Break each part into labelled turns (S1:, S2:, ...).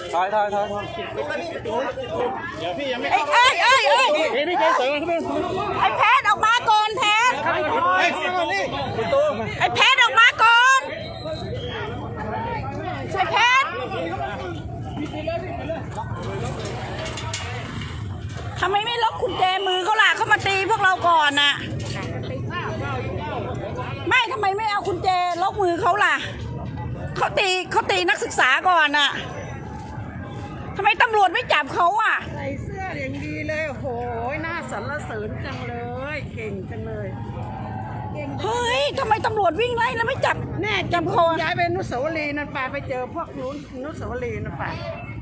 S1: ถอย
S2: เดี๋ยวพี่ยังไม่
S3: พี่เกสวยขึ้นไอ้แพทออกมาก่อนแพทไอ้แพทออกมาก่อนไอ้แพททำไมไม่ล็อกกุญแจมือเขาล่ะเขามาตีพวกเราก่อนน่ะไม่ทำไมไม่เอากุญแจล็อกมือเขาล่ะเขาตีนักศึกษาก่อนน่ะทำไมตำรวจไม่จับเขาอ่ะ
S4: ใส่เสื้ออย่างดีเลยโอ้โหน่าสรรเสริญจังเลยเก่งจังเลย
S3: เฮ้ยทำไมตำรวจวิ่งไล่แล้วไม่จับ
S4: แน่
S3: จับคอ
S4: ย้ายไปอนุสาวรีย์นั่นไปเจอพวกนู้นอนุสาวรีย์นั่นไป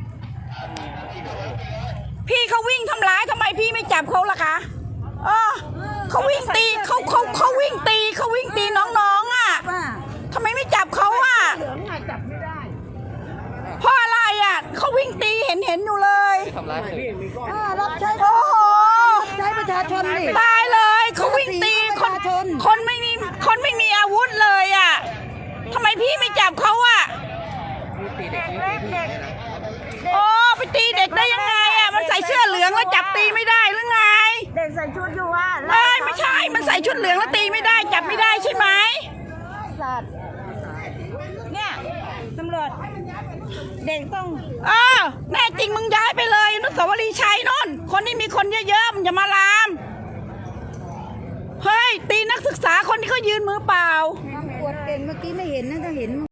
S3: พี่เขาวิ่งทำร้ายทำไมพี่ไม่จับเขาล่ะคะเขาวิ่งตีเขาวิ่งตีน้องๆอ่ะทำไมไม่จับเขาอ่ะ
S4: เหลืองจับไม่ได้
S3: เพราะอะไรอ่ะเขาวิ่งตีเห็นอยู่เลย
S1: ทำร้าย
S4: รับใช้
S3: โอ้โห
S4: ใช้ประชาชนนี่
S3: ตายเลยเขาวิ่งตีคนไม่มีอาวุธเลยอ่ะทำไมพี่ไม่จับเขาอ่ะโอ้ไปตีเด็กได้ยังไงอ่ะมันใส่เสื้อเหลืองแล้วจับตีไม่ได้หรือไง
S4: เด็กใส่ชุดอยู่ว่า
S3: ไม่ใช่มันใส่ชุดเหลืองแล้วตีไม่ได้จับไม่ได้ใช่ไหม
S4: สัตว์เนี่ยตำรวจเด็กต้อง
S3: แน่จริงมึงย้ายไปเลยอนุสาวรีย์ชัยนนท์คนที่มีคนเยอะๆมึงอย่ามาลามเฮ้ยตีนักศึกษาคนที่เขายืนมือเปล่าก
S4: วดเก่งเมื่อกี้ไม่เห็นนะถ้าเห็น